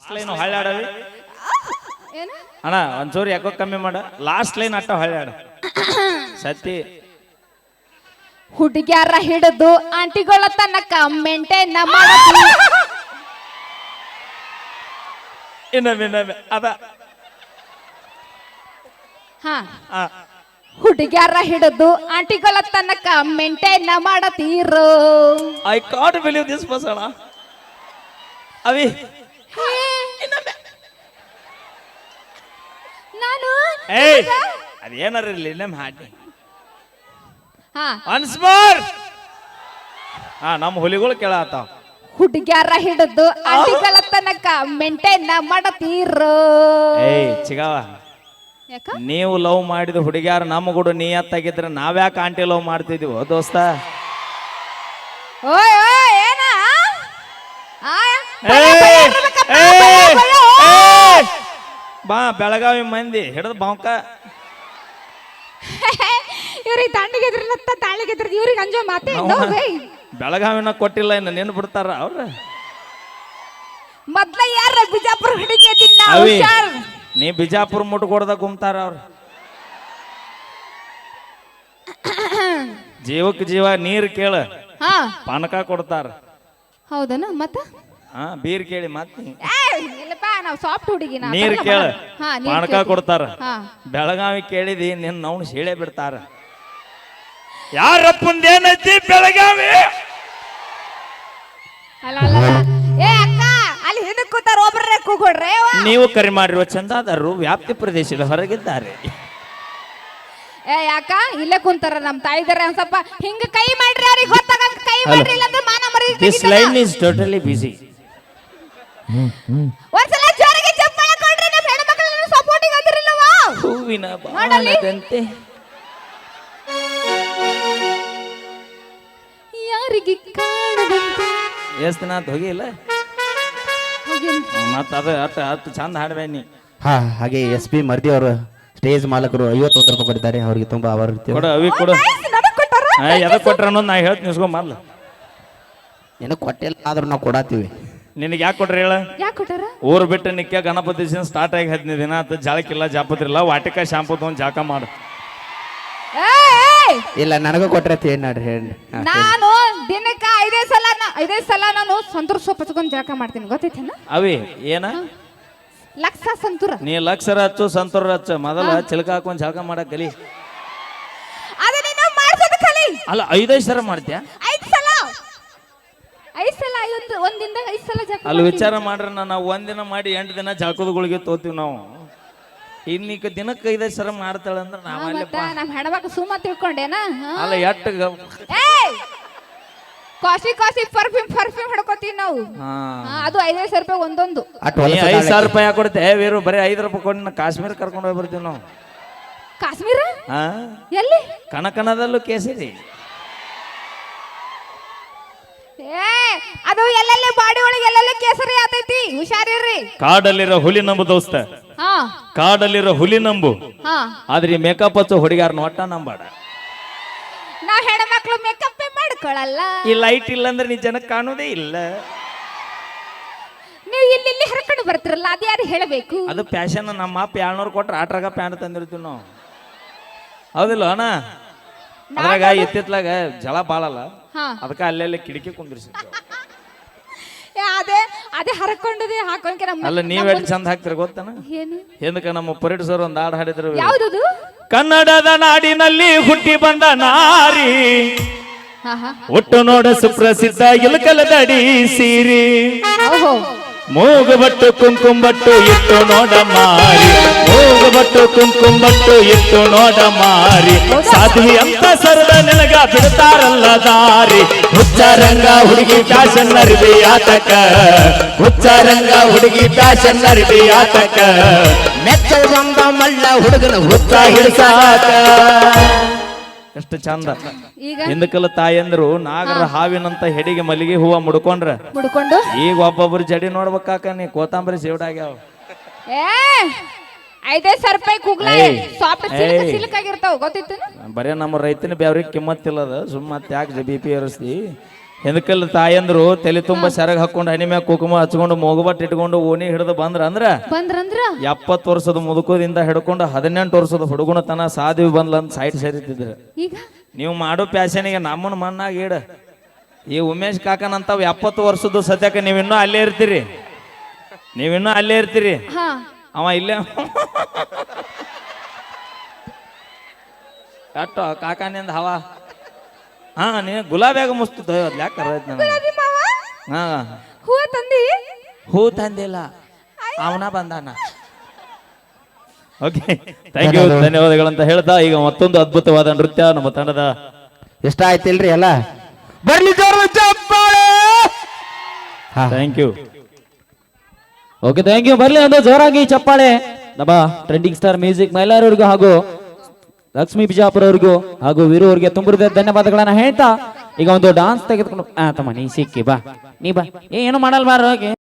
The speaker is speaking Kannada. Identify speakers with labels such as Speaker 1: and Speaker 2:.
Speaker 1: ಲಾಸ್ಟ್ ಲೈನ್ ಹೊಳ್ಳಾಡವಿ
Speaker 2: ಏನು
Speaker 1: ಅಣ್ಣ ಒಂಚೂರು ಯಾಕೋ ಕಮ್ಮಿ ಮಾಡ ಲಾಸ್ಟ್ ಲೈನ್ ಅಟ್ಟ ಹೊಳ್ಳಾಡ ಸತಿ
Speaker 2: ಹುಡುಗ್ಯಾರ ಹಿಡಿದು ಆಂಟಿಗಳ ತನಕ ಮೇಂಟೈನ್ ಮಾಡತಿ
Speaker 1: ಇನ್ನೊಮ್ಮೆ ಅದ
Speaker 2: ಹಾ ಹುಡುಗ್ಯಾರ ಹಿಡಿದು ಆಂಟಿಗಳ ತನಕ ಮೇಂಟೈನ್ ಮಾಡತೀರೋ
Speaker 1: ಐ ಕಾಂಟ್ ಬಿಲೀವ್ ದಿಸ್ ಬಸಣ ಅವಿ
Speaker 2: ನಾನು
Speaker 1: ಏಯ್ ಅದೇನಾರ ಇರ್ಲಿ ನಮ್ಮ ಹಾಡಿ
Speaker 2: ಹಾ
Speaker 1: ಒನ್ಸ್ ಮೋರ್ ನಮ್ಮ ಹುಲಿಗಳು ಕೇಳತ್ತಾವ
Speaker 2: ಹುಡುಗ್ಯಾರ ಹಿಡಿದು ಆಂಟಿಗಳ ತನಕ ಮೇಂಟೈನ್ ಮಾಡತೀರೋ
Speaker 1: ಏಯ್ ಚಿಗಾವ
Speaker 2: ಯಾಕ
Speaker 1: ನೀವು ಲವ್ ಮಾಡಿದ ಹುಡುಗ್ಯಾರ ನಮ್ಮ ಕೂಡ ನೀಯತ್ತಾಗಿದ್ರೆ ನಾವ್ಯಾಕೆ ಆಂಟಿ ಲವ್ ಮಾಡ್ತಿದೀವೋ ದೋಸ್ತ
Speaker 2: ಓಯ್ ಓಯ್ ಏನ
Speaker 1: ಬಾ ಬೆಳಗಾವಿ ಮಂದಿ ಹಿಡಿದು ಬಾಂಕ
Speaker 2: ಇವ್ರಿಗೆ ದಂಡಿಗೆದ್ರಲತ್ತ ತಾಳಿಗೆದ್ರ ಇವ್ರಿಗೆ ಅಂಜೋ ಮಾತೇ
Speaker 1: ಬೆಳಗಾವಿನ ಕೊಟ್ಟಿಲ್ಲ ಇನ್ನು ನೆನ್ ಬಿಡ್ತಾರ ಅವ್ರ
Speaker 2: ಮೊದ್ಲ ಯಾರ ಬಿಜಾಪುರ ಹುಡುಗಿ
Speaker 1: ಅವಿ ನೀ ಬಿಜಾಪುರ ಮುಟ್ಕೊಡ್ದ ಗುಮ್ತಾರ ಅವ್ರು ಜೀವಕ್ಕೆ ಜೀವ ನೀರ್ ಕೇಳ
Speaker 2: ಹಾ
Speaker 1: ಪಾನಕ ಕೊಡ್ತಾರ
Speaker 2: ಹೌದನ ಮತ್ತ
Speaker 1: ಬೀರ್ ಕೇಳಿ ಮತ್
Speaker 2: ಇಲ್ಲಪ್ಪ ನಾವು ಸಾಫ್ಟ್ ಹುಡುಗಿ
Speaker 1: ನೀರ್ ಕೇಳ
Speaker 2: ಹಾ
Speaker 1: ಪಾನಕ ಕೊಡ್ತಾರ
Speaker 2: ಹಾ
Speaker 1: ಬೆಳಗಾವಿ ಕೇಳಿದಿ ನಿನ್ನ ಅವ್ನು ಶೇಳೆ ಬಿಡ್ತಾರ ಯಾರಪ್ಪಂದೇನೈತಿ ಬೆಳಗಾವಿ
Speaker 2: ಅಲ್ಲ ಅಲ್ಲ ಏ ಅಕ್ಕ ಅಲ್ಲಿ ಹಿಂದಕ್ಕೆ ಕೂತಾರ ಒಬ್ಬರೇ ಕೂಗೊಡ್ರೆ
Speaker 1: ನೀವು ಕರೆ ಮಾಡಿರುವ ಚಂದಾದಾರರು ವ್ಯಾಪ್ತಿ ಪ್ರದೇಶದ ಹೊರಗಿದ್ದಾರೆ
Speaker 2: ಏ ಯಾಕ ಇಲ್ಲೇ ಕುಂತಾರ ನಮ್ ತಾಯಿದಾರೆ ಒಂದ್ ಸ್ವಲ್ಪ ಹಿಂಗ ಕೈ ಮಾಡ್ರಿ ಅವ್ರಿಗೆ ಗೊತ್ತಾಗಂಗ ಕೈ ಮಾಡ್ರಿ ಇಲ್ಲಂದ್ರೆ ಮಾನ ಮರಿ
Speaker 1: this line is totally busy
Speaker 2: ಒಂದ್ಸಲ ಜೋರಿಗೆ ಚಪ್ಪಾಳೆ ಕೊಡ್ರಿ ನಮ್ಮ ಹೆಣ್ಮಕ್ಳನ್ನ ಸಪೋರ್ಟಿಗೆ ಅಂದಿರಲ್ಲವಾ
Speaker 1: ಹೂವಿನ ಬಾಣದಂತೆ
Speaker 2: ಯಾರಿಗೆ ಕಾಣದಂತೆ
Speaker 1: ಎಷ್ಟು ದಿನ ಆತು ಹೋಗಿಲ್ಲ ಮತ್ತ ಅದು ಅಷ್ಟು ಚಂದ ಹಾಡ್ಬೇನಿ
Speaker 3: ಹಾ ಹಾಗೆ SP ಮರ್ದಿ ಅವರು ಸ್ಟೇಜ್ ಮಾಲಕರು 50 ರೂಪಾಯಿ ಕೊಟ್ಟಿದ್ದಾರೆ ಅವರಿಗೆ ತುಂಬಾ ಆಭಾರ
Speaker 1: ಕೊಡು ಅವಿ ಕೊಡು ಎದಕ್ ಕೊಟ್ರ ಅನ್ನೋದು ನಾ ಹೇಳ್ತೀನಿ ನಿಸ್ಕೊಂಡ್ ಮೊದ್ಲು
Speaker 3: ಏನೋ ಕೊಟ್ಟಿಲ್ಲ ಆದ್ರೂ ನಾವು ಕೊಡಾತೀವಿ
Speaker 1: ನಿನಗೆ ಯಾಕೆ ಕೊಟ್ರಿ ಹೇಳ
Speaker 2: ಯಾಕೆ ಕೊಟ್ಟಾರ
Speaker 1: ಊರು ಬಿಟ್ಟು ನಿಕ್ಕ ಗಣಪತಿ ಸ್ಟಾರ್ಟ್ ಆಗಿ 15 ದಿನ ಆತ ಜಾಳಕ್ಕಿಲ್ಲ ಜಾಪತ್ರಿಲ್ಲ ವಾಟಿಕ ಶಾಂಪು ತಗೊಂಡ್ ಜಾಕ ಮಾಡು
Speaker 3: ಇಲ್ಲ ನನಗೂ ಕೊಟ್ರೆ ಏನ್ ನೋಡ್ರಿ ಹೇಳಿ
Speaker 2: ನಾನು ದಿನಕ್ಕೆ 5 ಸಲ ನಾನು ಸಂತೂರ್ ಸೊಪ್ಪು ಹಚ್ಕೊಂಡ್ ಜಳಕ ಮಾಡ್ತೀನಿ ಗೊತ್ತೈತೇನ
Speaker 1: ಅವಿ ಏನ
Speaker 2: ಲಕ್ಷ ಸಂತೂರ
Speaker 1: ನೀ ಲಕ್ಷರ ಹಚ್ಚು ಸಂತೂರ ಹಚ್ಚು ಮೊದಲ ಚಿಲಕ ಹಾಕೊಂಡ್ ಜಾಕ ಮಾಡಕ್ ಕಲಿ
Speaker 2: ಅದ ನೀನು ಮಾಡ್ಸೋದು ಕಲಿ
Speaker 1: ಅಲ್ಲ 5 ಸಲ ಮಾಡ್ತೀಯ
Speaker 2: 5 ಸಲ ಒಂದಿಂದ 5 ಸಲ ಜಳಕ
Speaker 1: ಅಲ್ಲಿ ವಿಚಾರ ಮಾಡ್ರ ನಾವು ಒಂದಿನ ಮಾಡಿ 8 ದಿನ ಜಾಕದಗಳಿಗೆ ತೋತೀವಿ ನಾವು ಇನ್ನೀಗ ದಿನಕ್ಕೆ 5 ಸಲ ಮಾಡ್ತಾಳಂದ್ರ ನಾವಲ್ಲಪ್ಪ
Speaker 2: ನಮ್ಮ ಹೆಣ್ಮಕ್ಳು ಸುಮ್ಮ ತಿಳ್ಕೊಂಡೇನ
Speaker 1: ಅಲ್ಲ ಎಟ್ಟು
Speaker 2: ಕಾಸಿ ಪರ್ಫ್ಯೂಮ್ ಹಿಡ್ಕೋತೀವಿ ನಾವು ಅದು 5,000 ರೂಪಾಯಿ ಒಂದೊಂದು
Speaker 1: 5,000 ರೂಪಾಯಿ ಕೊಡ್ತೆ ವೀರು ಬರೀ 5 ರೂಪಾಯಿ ಕೊಟ್ಟು ಕಾಶ್ಮೀರ ಕರ್ಕೊಂಡು ಹೋಗಿ ಬರ್ತೀವಿ ನಾವು
Speaker 2: ಕಾಶ್ಮೀರ ಎಲ್ಲಿ
Speaker 1: ಕನಕನದಲ್ಲೂ ಕೇಸರಿ
Speaker 2: ಅದು ಎಲ್ಲೆಲ್ಲಿ ಬಾಡಿ ಒಳಗೆ ಎಲ್ಲೆಲ್ಲಿ ಕೇಸರಿ ಆತೈತಿ ಹುಷಾರಿರ್ರಿ
Speaker 1: ಕಾಡಲ್ಲಿರೋ ಹುಲಿ ನಂಬು ದೋಸ್ತ ಕಾಡಲ್ಲಿರೋ ಹುಲಿ ನಂಬು ಆದ್ರೆ ಈ ಮೇಕಪ್ ಹಚ್ಚೋ ಹುಡುಗಾರನ ಒಟ್ಟ ನಂಬಾಡ
Speaker 2: ನಾವ್ ಹೆಣ್ಮಕ್ಳು ಮೇಕಪ್ ಮಾಡ್ಕೊಳಲ್ಲ
Speaker 1: ಈ ಲೈಟ್ ಇಲ್ಲ ಅಂದ್ರೆ ನೀ ಜನಕ್ಕೆ ಕಾಣೋದೇ ಇಲ್ಲ
Speaker 2: ನೀವು ಇಲ್ಲಿ ಹರ್ಕೊಂಡು ಬರ್ತಿರಲ್ಲ ಅದು ಯಾರು ಹೇಳಬೇಕು
Speaker 1: ಅದು ಫ್ಯಾಷನ್ ನಮ್ಮ ಅಪ್ಪ 200 ಕೊಟ್ರೆ ಆಟ್ರಾಗ ಪ್ಯಾಂಟ್ ತಂದಿರ್ತೀವಿ ನಾವು ಹೌದಿಲ್ಲ ಅಣ್ಣ ಅದ್ರಾಗ ಎತ್ತಿತ್ಲಾಗ ಜಳ ಬಾಳಲ್ಲ ಅದಕ್ಕೆ ಅಲ್ಲೆಲ್ಲ ಕಿಟಕಿ ಕುಂದಿರ್ಸಿ
Speaker 2: ಅದೇ ಹರ್ಕೊಂಡದೆ ಹಾಕೊಂಡ್ಕೆ
Speaker 1: ಅಲ್ಲ ನೀವ್ ಚಂದ ಹಾಕ್ತಿರ ಗೊತ್ತನ ಹಿಂದಕ್ಕೆ ನಮ್ಮ ಪರೇಡ್ ಸರ್ ಒಂದ್ ಹಾಡು ಹಾಡಿದ್ರು
Speaker 2: ಯಾವ್ದದು
Speaker 1: ಕನ್ನಡದ ನಾಡಿನಲ್ಲಿ ಹುಟ್ಟಿ ಬಂದ ನಾರಿ ಒಟ್ಟು ನೋಡ ಸುಪ್ರಸಿದ್ಧ ಇಲಕಲದಡಿ ಸೀರಿ ಮೂಗುಬಟ್ಟು ಕುಂಕುಂಬಟ್ಟು ಇಟ್ಟು ನೋಡ ಮಾರಿ ಮೂಗುಬಟ್ಟು ಕುಂಕುಂಬಟ್ಟು ಇಟ್ಟು ನೋಡ ಮಾರಿ ಸಾಧ್ವಿ ಅಂತ ಸರದ ನಿನಗ ಬಿಡ್ತಾರಲ್ಲ ದಾರಿ ಹುಚ್ಚಾರಂಗ ಹುಡುಗಿ ಫ್ಯಾಷನ್ ಅರಿವಿ ಆತಕ ಹುಚ್ಚಾರಂಗ ಹುಡುಗಿ ಫ್ಯಾಷನ್ ಅರಿವಿ ಆತಕ ಮೆಚ್ಚ ಬಂದ ಮಳ್ಳ ಹುಡುಗನ ಹುಚ್ಚ ಹಿಡಿಸಾಕ ಎಷ್ಟು ಚಂದ ಹಿಂದಕಲ್ಲ ತಾಯಂದ್ರು ನಾಗರ ಹಾವಿನಂತ ಹೆಡಿಗೆ ಮಲ್ಲಿಗೆ ಹೂವ ಮುಡ್ಕೊಂಡ್ರ ಈಗ ಒಬ್ಬೊಬ್ರು ಜಡಿ ನೋಡ್ಬೇಕಾಕ ನೀ ಕೋತಂಬರಿ ಸೇವಡಾಗ್ಯಾವ
Speaker 2: 5,000 ರೂಪಾಯಿ ಕೂಗ್ಲಾ ಸಾಫ್ಟ್ ಸಿಲ್ಕ್ ಆಗಿರ್ತಾವ ಗೊತ್ತಿತ್ತು
Speaker 1: ಬರೇ ನಮ್ಮ ರೈತನ ಬ್ಯಾವ್ರಿಗೆ ಕಿಮ್ಮತ್ತಿಲ್ಲದ ಸುಮ್ಮತ್ತೆ ಯಾಕೆ BP ಏರಿಸ್ತಿ ಹೆದಕಲ್ ತಾಯಂದ್ರು ತಲೆ ತುಂಬ ಸೆರಗ್ ಹಾಕೊಂಡು ಹನಿ ಮ್ಯಾಗ ಕುಕುಮ ಹಚ್ಕೊಂಡು ಮೂಗುಬಟ್ಟು ಇಟ್ಕೊಂಡು ಓಣಿ ಹಿಡಿದು ಬಂದ್ರ
Speaker 2: ಬಂದ್ರಂದ್ರ
Speaker 1: 70 ವರ್ಷದ ಮುದುಕದಿಂದ ಹಿಡ್ಕೊಂಡು 18 ವರ್ಷದ ಹುಡುಗನ ತನ ಸಾಧ್ವಿ ಬಂದ್ಲಂತ ಸೈಡ್ ಸೇರಿತಿದ್ರು.
Speaker 2: ಈಗ
Speaker 1: ನೀವು ಮಾಡೋ ಪ್ಯಾಶನಿಗೆ ನಮ್ಮನ್ನ ಮಣ್ಣಾಗ ಇಡ. ಈ ಉಮೇಶ್ ಕಾಕನಂತಾವ್ 70 ವರ್ಷದ ಸದ್ಯಕ್ಕೆ ನೀವಿನ್ನೂ ಅಲ್ಲೇ ಇರ್ತೀರಿ.
Speaker 2: ಹಾ
Speaker 1: ಅವ ಇಲ್ಲೇ ಅಟ್ಟು ಕಾಕಾನಿಂದ ಹವಾ. ಹಾ ನೀ ಗುಲಾಬಿಯಾಗ ಮುಸ್ತಿದ್ದ ಯಾಕೆ ಹಾ
Speaker 2: ಹೂವ ತಂದಿ
Speaker 1: ಹೂ ತಂದಿಲ್ಲ, ಅವನ ಬಂದಾನ. ಓಕೆ, ಥ್ಯಾಂಕ್ ಯು, ಧನ್ಯವಾದಗಳಂತ ಹೇಳ್ತಾ ಈಗ ಮತ್ತೊಂದು ಅದ್ಭುತವಾದ ನೃತ್ಯ ನಮ್ಮ ತಂಡದ
Speaker 3: ಇಷ್ಟ ಆಯ್ತಿಲ್ರಿ ಎಲ್ಲ ಬರ್ಲಿ ಜೋರು ಚಪ್ಪಾಳೆ.
Speaker 1: Thank you.
Speaker 4: Okay, thank you. ಬರ್ಲಿ ಒಂದು ಜೋರಾಗಿ ಚಪ್ಪಾಳೆ ನಮ್ಮ ಟ್ರೆಂಡಿಂಗ್ ಸ್ಟಾರ್ ಮ್ಯೂಸಿಕ್ ಮೈಲಾರವ್ರಿಗೂ ಹಾಗೂ ಲಕ್ಷ್ಮೀ ಬಿಜಾಪುರ ಅವ್ರಿಗೂ ಹಾಗೂ ವೀರು ಅವ್ರಿಗೆ ತುಂಬ ಧನ್ಯವಾದಗಳನ್ನ ಹೇಳ್ತಾ ಈಗ ಒಂದು ಡಾನ್ಸ್ ತೆಗೆದುಕೊಂಡು ತಮ್ಮ ನೀ ಸಿಕ್ಕಿ ಬಾ, ನೀ ಬಾ, ಏನು ಮಾಡಲ್ ಬಾರ ಹೋಗಿ.